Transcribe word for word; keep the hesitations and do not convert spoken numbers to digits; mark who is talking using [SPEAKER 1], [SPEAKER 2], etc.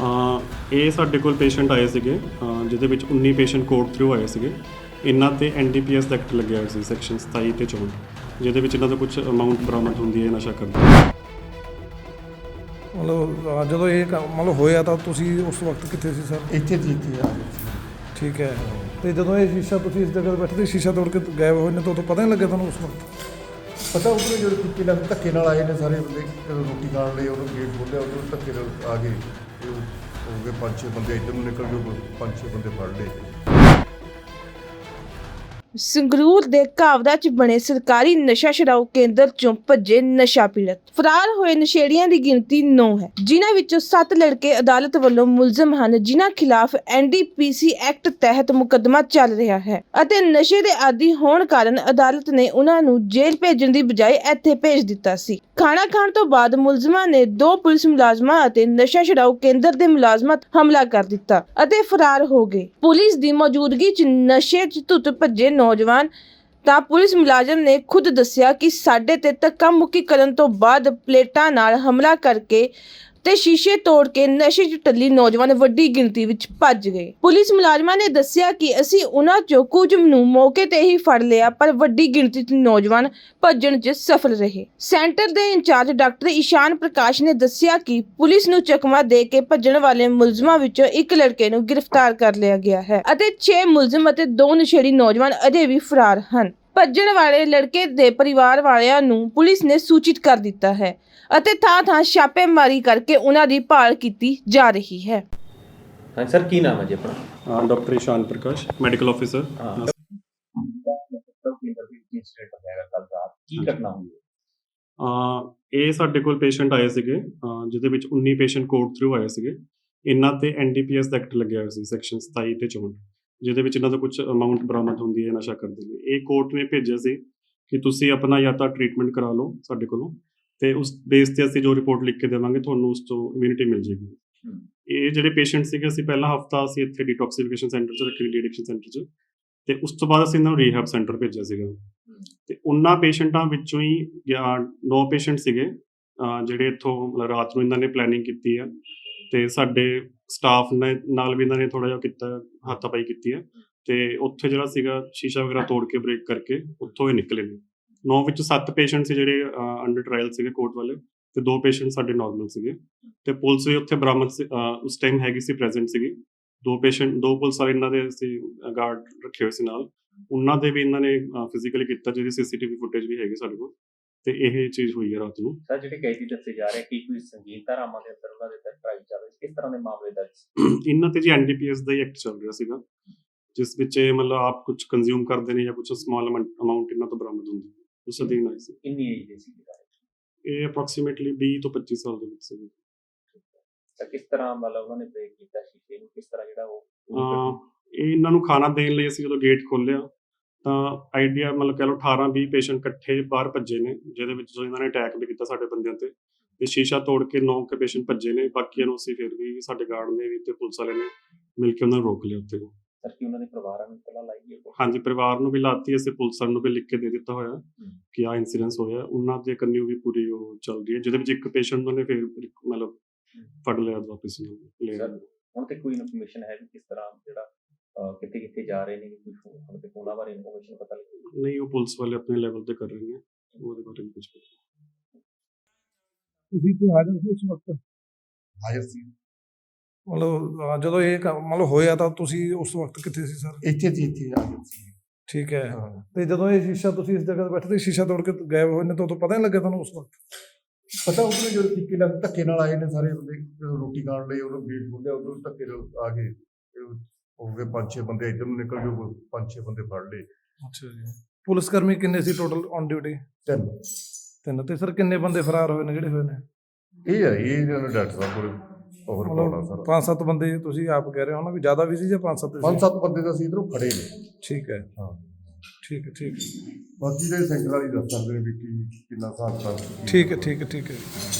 [SPEAKER 1] ਇਹ ਸਾਡੇ ਕੋਲ ਪੇਸ਼ੈਂਟ ਆਏ ਸੀਗੇ ਜਿਹਦੇ ਵਿੱਚ ਉੱਨੀ ਪੇਸ਼ੈਂਟ ਕੋਰਟ ਥਰੂ ਆਏ ਸੀਗੇ। ਇਹਨਾਂ ਤੇ ਐਨ ਡੀ ਪੀ ਐਸ ਦਾ ਐਕਟ ਲੱਗਿਆ ਹੋਇਆ ਸੀ ਸੈਕਸ਼ਨ ਸਤਾਈ ਤੇ ਚੌਂਹਠ, ਜਿਹਦੇ ਵਿੱਚ ਇਹਨਾਂ ਦਾ ਕੁਝ ਅਮਾਊਂਟ ਬਰਾਮਦ ਹੁੰਦੀ ਹੈ ਨਸ਼ਾ ਕਰਦੇ।
[SPEAKER 2] ਮਤਲਬ ਜਦੋਂ ਇਹ ਕੰਮ ਮਤਲਬ ਹੋਇਆ ਤਾਂ ਤੁਸੀਂ ਉਸ ਵਕਤ ਕਿੱਥੇ ਸੀ ਸਰ?
[SPEAKER 3] ਇੱਥੇ ਜੀ ਇੱਥੇ ਆ ਗਏ ਸੀ।
[SPEAKER 2] ਠੀਕ ਹੈ। ਤੇ ਜਦੋਂ ਇਹ ਸ਼ੀਸ਼ਾ ਤੁਸੀਂ ਇਸ ਜਗ੍ਹਾ 'ਤੇ ਬੈਠੇ ਤੇ ਸ਼ੀਸ਼ਾ ਤੋੜ ਕੇ ਗਾਇਬ ਹੋਏ ਨੇ ਤਾਂ ਉਦੋਂ ਪਤਾ ਨਹੀਂ ਲੱਗਿਆ ਤੁਹਾਨੂੰ ਉਸ ਵਕਤ?
[SPEAKER 3] ਪਤਾ ਉਹਨੇ ਜਿਹੜੇ ਤਰੀਕੇ ਨਾਲ ਧੱਕੇ ਨਾਲ ਆਏ ਨੇ ਸਾਰੇ ਬੰਦੇ, ਜਦੋਂ ਰੋਟੀ ਖਾਣ ਲਈ ਉਹਨੂੰ ਗੇਟ ਖੋਲ੍ਹਿਆ ਉਦੋਂ ਧੱਕੇ ਨਾਲ ਆ ਗਏ। ਤੇ ਹੋ ਗਏ ਪੰਜ ਛੇ ਬੰਦੇ ਇੱਧਰ ਨੂੰ ਨਿਕਲ ਗਏ, ਪੰਜ ਛੇ ਬੰਦੇ ਫੜ ਲਏ।
[SPEAKER 4] ਸੰਗਰੂਰ ਦੇ ਕਾਵੜਾ 'ਚ ਬਣੇ ਸਰਕਾਰੀ ਨਸ਼ਾ ਛੁਡਾਊ ਕੇਂਦਰ 'ਚੋਂ ਭੱਜੇ ਨਸ਼ਾ ਪੀੜਤ। ਫਰਾਰ ਹੋਏ ਨਸ਼ੇੜੀਆਂ ਦੀ ਗਿਣਤੀ ਨੌ ਹੈ, ਜਿਨ੍ਹਾਂ ਵਿੱਚੋਂ ਸੱਤ ਲੜਕੇ ਅਦਾਲਤ ਵੱਲੋਂ ਮੁਲਜ਼ਮ ਹਨ, ਜਿਨ੍ਹਾਂ ਖਿਲਾਫ ਐਨ ਡੀ ਪੀ ਸੀ ਐਕਟ ਤਹਿਤ ਮੁਕੱਦਮਾ ਚੱਲ ਰਿਹਾ ਹੈ ਅਤੇ ਨਸ਼ੇ ਦੇ ਆਦੀ ਹੋਣ ਕਾਰਨ ਅਦਾਲਤ ਨੇ ਉਹਨਾਂ ਨੂੰ ਜੇਲ੍ਹ ਭੇਜਣ ਦੀ ਬਜਾਏ ਇੱਥੇ ਭੇਜ ਦਿੱਤਾ ਸੀ। ਖਾਣਾ ਖਾਣ ਤੋਂ ਬਾਅਦ ਮੁਲਜ਼ਮਾਂ ਨੇ ਦੋ ਪੁਲਿਸ ਮੁਲਾਜ਼ਮਾਂ ਅਤੇ ਨਸ਼ਾ ਛੁਡਾਊ ਕੇਂਦਰ ਦੇ ਮੁਲਾਜ਼ਮਾਂ ਹਮਲਾ ਕਰ ਦਿੱਤਾ ਅਤੇ ਫਰਾਰ ਹੋ ਗਏ। ਪੁਲਿਸ ਦੀ ਮੌਜੂਦਗੀ 'ਚ ਨਸ਼ੇ 'ਚ ਧੁੱਤ ਭੱਜੇ ਨੌਜਵਾਨ ਤਾਂ ਪੁਲਿਸ ਮੁਲਾਜ਼ਮ ਨੇ ਖੁਦ ਦੱਸਿਆ ਕਿ ਸਾਡੇ ਤੇ ਧੱਕਾ ਮੁੱਕੀ ਕਰਨ ਤੋਂ ਬਾਅਦ ਪਲੇਟਾਂ ਨਾਲ ਹਮਲਾ ਕਰਕੇ ਤੇ ਸ਼ੀਸ਼ੇ ਤੋੜ ਕੇ ਨਸ਼ੇ 'ਚ ਟੱਲੀ ਨੌਜਵਾਨ ਵੱਡੀ ਗਿਣਤੀ ਵਿੱਚ ਭੱਜ ਗਏ। ਪੁਲਿਸ ਮੁਲਾਜ਼ਮਾਂ ਨੇ ਦੱਸਿਆ ਕਿ ਅਸੀਂ ਉਹਨਾਂ 'ਚੋਂ ਕੁਝ ਨੂੰ ਮੌਕੇ ਤੇ ਹੀ ਫੜ ਲਿਆ, ਪਰ ਵੱਡੀ ਗਿਣਤੀ 'ਚ ਨੌਜਵਾਨ ਭੱਜਣ 'ਚ ਸਫਲ ਰਹੇ। ਸੈਂਟਰ ਦੇ ਇੰਚਾਰਜ ਡਾਕਟਰ ਇਸ਼ਾਨ ਪ੍ਰਕਾਸ਼ ਨੇ ਦੱਸਿਆ ਕਿ ਪੁਲਿਸ ਨੂੰ ਚਕਮਾ ਦੇ ਕੇ ਭੱਜਣ ਵਾਲੇ ਮੁਲਜ਼ਮਾਂ ਵਿੱਚੋਂ ਇੱਕ ਲੜਕੇ ਨੂੰ ਗ੍ਰਿਫਤਾਰ ਕਰ ਲਿਆ ਗਿਆ ਹੈ ਅਤੇ ਛੇ ਮੁਲਜ਼ਮ ਅਤੇ ਦੋ ਨਸ਼ੇੜੀ ਨੌਜਵਾਨ ਅਜੇ ਵੀ ਫਰਾਰ ਹਨ। ਭੱਜਣ ਵਾਲੇ ਲੜਕੇ ਦੇ ਪਰਿਵਾਰ ਵਾਲਿਆਂ ਨੂੰ ਪੁਲਿਸ ਨੇ ਸੂਚਿਤ ਕਰ ਦਿੱਤਾ ਹੈ ਅਤੇ ਥਾਂ ਥਾਂ ਛਾਪੇਮਾਰੀ ਕਰਕੇ ਉਹਨਾਂ ਦੀ ਭਾਲ ਕੀਤੀ ਜਾ ਰਹੀ ਹੈ।
[SPEAKER 5] ਹਾਂ ਸਰ, ਕੀ ਨਾਮ ਹੈ ਜੀ ਆਪਣਾ?
[SPEAKER 1] Doctor Ishan Prakash, medical officer.
[SPEAKER 5] ਕੀ ਘਟਨਾ ਹੋਈ ਹੈ?
[SPEAKER 1] ਇਹ ਸਾਡੇ ਕੋਲ ਪੇਸ਼ੈਂਟ ਆਏ ਸੀਗੇ ਜਿਹਦੇ ਵਿੱਚ ਉੱਨੀ ਪੇਸ਼ੈਂਟ ਕੋਰਟ ਥਰੂ ਆਏ ਸੀਗੇ। ਇਹਨਾਂ ਤੇ ਐਨ ਡੀ ਪੀ ਐਸ ਦਾ ਐਕਟ ਲੱਗਿਆ ਹੋਇਆ ਸੀ ਸੈਕਸ਼ਨ ਸਤਾਈ ਤੇ ਚੌਂਹਠ, ਜਿਹਦੇ ਵਿੱਚ ਇਹਨਾਂ ਦਾ ਕੁਝ ਅਮਾਊਂਟ ਬਰਾਮਦ ਹੁੰਦੀ ਹੈ ਨਸ਼ਾ ਕਰਦੇ ਲਈ। ਇਹ ਕੋਰਟ ਨੇ ਭੇਜਿਆ ਸੀ ਕਿ ਤੁਸੀਂ ਆਪਣਾ ਜਾਂ ਤਾਂ ਟ੍ਰੀਟਮੈਂਟ ਕਰਾ ਲਓ ਸਾਡੇ ਕੋਲੋਂ, ਤੇ ਉਸ ਬੇਸ ਤੇ ਅਸੀਂ ਜੋ ਰਿਪੋਰਟ ਲਿਖ ਕੇ ਦੇਵਾਂਗੇ ਤੁਹਾਨੂੰ ਉਸ ਤੋਂ ਇਮਿਊਨਿਟੀ ਮਿਲ ਜਾਏਗੀ। ਇਹ ਜਿਹੜੇ ਪੇਸ਼ੈਂਟ ਸੀਗੇ ਅਸੀਂ ਪਹਿਲਾ ਹਫਤਾ ਅਸੀਂ ਇੱਥੇ ਡੀਟੌਕਸੀਫਿਕੇਸ਼ਨ ਸੈਂਟਰ 'ਚ ਰੱਖੇ, ਡੀ ਐਡਿਕਸ਼ਨ ਸੈਂਟਰ 'ਚ, ਤੇ ਉਸ ਤੋਂ ਬਾਅਦ ਅਸੀਂ ਇਹਨਾਂ ਨੂੰ ਰੀਹੈਬ ਸੈਂਟਰ ਭੇਜਿਆ ਸੀਗਾ। ਤੇ ਉਹਨਾਂ ਪੇਸ਼ੈਂਟਾਂ ਵਿੱਚੋਂ ਹੀ ਨੌ ਪੇਸ਼ੈਂਟ ਸੀਗੇ ਜਿਹੜੇ ਇੱਥੋਂ ਰਾਤ ਨੂੰ ਇਹਨਾਂ ਨੇ ਪਲੈਨਿੰਗ ਕੀਤੀ ਹੈ, ਤੇ ਸਾਡੇ ਸਟਾਫ ਨੇ ਨਾਲ ਵੀ ਇਹਨਾਂ ਨੇ ਥੋੜ੍ਹਾ ਜਿਹਾ ਕੀਤਾ, ਹੱਥਾਪਾਈ ਕੀਤੀ ਹੈ, ਤੇ ਉੱਥੇ ਜਿਹੜਾ ਸੀਗਾ ਸ਼ੀਸ਼ਾ ਵਗੈਰਾ ਤੋੜ ਕੇ ਬ੍ਰੇਕ ਕਰਕੇ ਉੱਥੋਂ ਹੀ ਨਿਕਲੇ ਨੇ। ਨੌ ਵਿੱਚ ਸੱਤ ਪੇਸ਼ੈਂਟ ਸੀ ਜਿਹੜੇ ਅੰਡਰ ਟਰਾਇਲ ਸੀਗੇ ਕੋਰਟ ਵਾਲੇ, ਤੇ ਦੋ ਪੇਸ਼ੈਂਟ ਸਾਡੇ ਨਾਰਮਲ ਸੀਗੇ। ਤੇ ਪੁਲਿਸ ਵੀ ਉੱਥੇ ਬਰਾਮਦ ਉਸ ਟਾਈਮ ਹੈਗੀ ਸੀ, ਪ੍ਰੈਜ਼ੈਂਟ ਸੀਗੀ। ਦੋ ਪੇਸ਼ੈਂਟ ਦੋ ਪੁਲਿਸ ਵਾਲੇ ਇਹਨਾਂ ਦੇ ਅਸੀਂ ਗਾਰਡ ਰੱਖੇ ਹੋਏ ਸੀ ਨਾਲ, ਉਹਨਾਂ ਦੇ ਵੀ ਇਹਨਾਂ ਨੇ ਫਿਜ਼ੀਕਲੀ ਕੀਤਾ, ਜਿਹਦੀ ਸੀ ਸੀ ਟੀ ਵੀ ਫੁਟੇਜ ਵੀ ਹੈਗੀ ਸਾਡੇ ਕੋਲ। ਤੇ ਇਹ ਚੀਜ਼ ਹੋਈ ਹੈ ਰਾਤ ਨੂੰ।
[SPEAKER 5] ਸਰ, ਜਿਹੜੇ ਕੈਦੀ ਦੱਸੇ ਜਾ ਰਹੇ ਕੀ ਕੋਈ ਸੰਗੀਨ ਧਾਰਾਵਾਂ ਦੇ ਅੰਦਰ ਉਹਨਾਂ ਦੇ ਤਹਿਤ ਟਰਾਈ ਚੱਲ ਰਹੀ, ਕਿਸ ਤਰ੍ਹਾਂ ਦੇ ਮਾਮਲੇ ਦਰਜ?
[SPEAKER 1] ਇਹਨਾਂ ਤੇ ਜੀ ਐਨ ਡੀ ਪੀ ਐਸ ਦਾ ਹੀ ਐਕਟ ਚੱਲ ਰਿਹਾ ਸੀਗਾ, ਜਿਸ ਵਿੱਚ ਇਹ ਮਤਲਬ ਆਪ ਕੁਝ ਕੰਜ਼ਿਊਮ ਕਰਦੇ ਨੇ ਜਾਂ ਕੁਝ ਸਮਾਲ ਅਮਾਊਂਟ ਇਹਨਾਂ ਤੋਂ ਬਰਾਮਦ ਹੁੰਦੀ ਹੈ। ਉਸ ਅਧੀਨ ਆਈ ਸੀ।
[SPEAKER 5] ਕਿੰਨੀ ਏਜ ਦੇ ਸੀ?
[SPEAKER 1] ਇਹ ਅਪਰੋਕਸੀਮੇਟਲੀ ਵੀਹ ਤੋਂ ਪੱਚੀ ਸਾਲ ਦੇ ਵਿੱਚ ਸੀ।
[SPEAKER 5] ਤਾਂ ਕਿਸ ਤਰ੍ਹਾਂ ਮਤਲਬ ਉਹਨਾਂ ਨੇ ਬ੍ਰੇਕ ਕੀਤਾ ਸ਼ੀਸ਼ੇ ਨੂੰ, ਕਿਸ ਤਰ੍ਹਾਂ ਜਿਹੜਾ ਉਹ
[SPEAKER 1] ਇਹ ਇਹਨਾਂ ਨੂੰ ਖਾਣਾ ਦੇਣ ਲਈ ਅਸੀਂ ਜਦੋਂ ਗੇਟ ਖੋਲ੍ਹਿਆ ਤਾਂ ਆਈਡੀਆ ਮਤਲਬ ਕਹਿ ਲਓ ਅਠਾਰਾਂ ਵੀਹ ਪੇਸ਼ੈਂਟ ਇਕੱਠੇ ਬਾਹਰ ਭੱਜੇ ਨੇ, ਜਿਹਦੇ ਵਿੱਚ ਇਹਨਾਂ ਨੇ ਅਟੈਕ ਵੀ ਕੀਤਾ ਸਾਡੇ ਬੰਦਿਆਂ ਤੇ, ਤੇ ਸ਼ੀਸ਼ਾ ਤੋੜ ਕੇ ਨੌ ਕੇ ਪੇਸ਼ੈਂਟ ਭੱਜੇ ਨੇ। ਬਾਕੀਆਂ ਨੂੰ ਅਸੀਂ ਫਿਰ ਵੀ ਸਾਡੇ ਗਾਰਡ ਨੇ ਵੀ ਤੇ ਪੁਲਿਸ ਵਾਲੇ ਨੇ ਮਿਲ ਕੇ ਉਹਨਾਂ ਨੂੰ ਰੋਕ ਲਿਆ ਉੱਥੇ।
[SPEAKER 5] ਸਰ, ਕੀ ਉਹਨਾਂ ਦੇ ਪਰਿਵਾਰਾਂ ਨੂੰ ਇਤਲਾ ਲਾਈ ਹੈ?
[SPEAKER 1] ਹਾਂਜੀ, ਪਰਿਵਾਰ ਨੂੰ ਵੀ ਲਾਤੀ, ਅਸੀਂ ਪੁਲਿਸ ਵਾਲਿਆਂ ਨੂੰ ਵੀ ਲਿਖ ਕੇ ਦੇ ਦਿੱਤਾ ਹੋਇਆ ਕਿ ਆਹ ਇਨਸੀਡੈਂਸ ਹੋਇਆ। ਉਹਨਾਂ ਦੇ ਕੰਨਿਓ ਵੀ ਪੂਰੀ ਉਹ ਚੱਲ ਰਹੀ ਹੈ, ਜਿਹਦੇ ਵਿੱਚ ਇੱਕ ਪੇਸ਼ੈਂਟ ਨੂੰ ਨੇ ਫਿਰ ਮਤਲਬ ਫੜ ਲਿਆ ਵਾਪਸ ਨੂੰ ਲਿਆ।
[SPEAKER 5] ਹੁਣ ਤੇ ਕੋਈ ਇਨਫੋਰਮੇਸ਼ਨ ਹੈ ਵੀ ਕਿਸ ਤਰ੍ਹਾਂ ਜਿਹੜਾ ਕਿੱਥੇ ਕਿੱਥੇ ਜਾ ਰਹੇ ਨੇ, ਕੋਈ ਹੁਣ ਤੇ ਉਹਨਾਂ ਬਾਰੇ ਇਨਫੋਰਮੇਸ਼ਨ ਪਤਾ ਲੱਗੀ?
[SPEAKER 1] ਨਹੀਂ, ਉਹ ਪੁਲਿਸ ਵਾਲੇ ਆਪਣੇ ਲੈਵਲ ਤੇ ਕਰ ਰਹੇ ਨੇ, ਉਹਦੇ ਬਾਰੇ ਕੁਝ ਪਤਾ।
[SPEAKER 2] ਤੁਸੀਂ ਤੇ ਹਾਜ਼ਰ ਸੀ ਉਸ ਵਕਤ?
[SPEAKER 3] ਹਾਜ਼ਰ ਸੀ।
[SPEAKER 2] ਮਤਲਬ ਜਦੋਂ ਇਹ ਕੰਮ ਮਤਲਬ ਹੋਇਆ ਤਾਂ ਤੁਸੀਂ ਉਸ ਵਕਤ ਕਿੱਥੇ ਸੀ ਸਰ?
[SPEAKER 3] ਇੱਥੇ ਜੀ ਇੱਥੇ ਆ ਗਏ ਸੀ।
[SPEAKER 2] ਠੀਕ ਹੈ। ਤੇ ਜਦੋਂ ਇਹ ਸ਼ੀਸ਼ਾ ਤੁਸੀਂ ਇਸ ਜਗ੍ਹਾ 'ਤੇ ਬੈਠੇ ਤੇ ਸ਼ੀਸ਼ਾ ਤੋੜ ਕੇ ਗਾਇਬ ਹੋਏ ਨੇ ਤਾਂ ਉਦੋਂ ਪਤਾ ਨਹੀਂ ਲੱਗਿਆ ਤੁਹਾਨੂੰ ਉਸ ਵਕਤ?
[SPEAKER 3] ਪਤਾ ਉਹਨੇ ਜਿਹੜੇ ਤਰੀਕੇ ਨਾਲ ਧੱਕੇ ਨਾਲ ਆਏ ਨੇ ਸਾਰੇ ਬੰਦੇ, ਜਦੋਂ ਰੋਟੀ ਖਾਣ ਲਈ ਉਹਨੂੰ ਗੇਟ ਖੋਲ੍ਹਿਆ ਉਦੋਂ ਧੱਕੇ ਨਾਲ ਆ ਗਏ। ਹੋ ਗਏ ਪੰਜ ਛੇ ਬੰਦੇ ਇੱਧਰ ਨੂੰ ਨਿਕਲ ਗਏ, ਪੰਜ ਛੇ ਬੰਦੇ ਫੜ ਲਏ।
[SPEAKER 2] ਅੱਛਾ ਜੀ। ਪੁਲਿਸ ਕਰਮੀ ਕਿੰਨੇ ਸੀ ਟੋਟਲ ਔਨ ਡਿਊਟੀ?
[SPEAKER 3] ਤਿੰਨ।
[SPEAKER 2] ਤਿੰਨ। ਤੇ ਸਰ ਕਿੰਨੇ ਬੰਦੇ ਫਰਾਰ ਹੋਏ ਨੇ ਜਿਹੜੇ ਹੋਏ ਨੇ?
[SPEAKER 3] ਇਹ ਹੈ ਇਹ ਡਾਕਟਰ ਸਾਹਿਬ ਕੋਲ ਹੋਰ ਪਾਉਣਾ ਸਰ।
[SPEAKER 2] ਪੰਜ ਸੱਤ ਬੰਦੇ ਤੁਸੀਂ ਆਪ ਕਹਿ ਰਹੇ ਹੋ ਨਾ ਵੀ ਜ਼ਿਆਦਾ ਵੀ ਸੀ ਜਾਂ ਪੰਜ ਸੱਤ?
[SPEAKER 3] ਪੰਜ ਸੱਤ ਬੰਦੇ ਤਾਂ ਅਸੀਂ ਇੱਧਰੋਂ ਫੜੇ ਨੇ।
[SPEAKER 2] ਠੀਕ ਹੈ।
[SPEAKER 3] ਹਾਂ
[SPEAKER 2] ਠੀਕ ਹੈ। ਠੀਕ ਹੈ।
[SPEAKER 3] ਬਾਕੀ ਦੇ ਸੈਂਟਰ ਵਾਲੀ ਦੱਸ ਸਕਦੇ ਨੇ ਵੀ ਕੀ ਕਿੰਨਾ ਹਿਸਾਬ ਕਿਤਾਬ।
[SPEAKER 2] ਠੀਕ ਹੈ। ਠੀਕ ਹੈ। ਠੀਕ ਹੈ।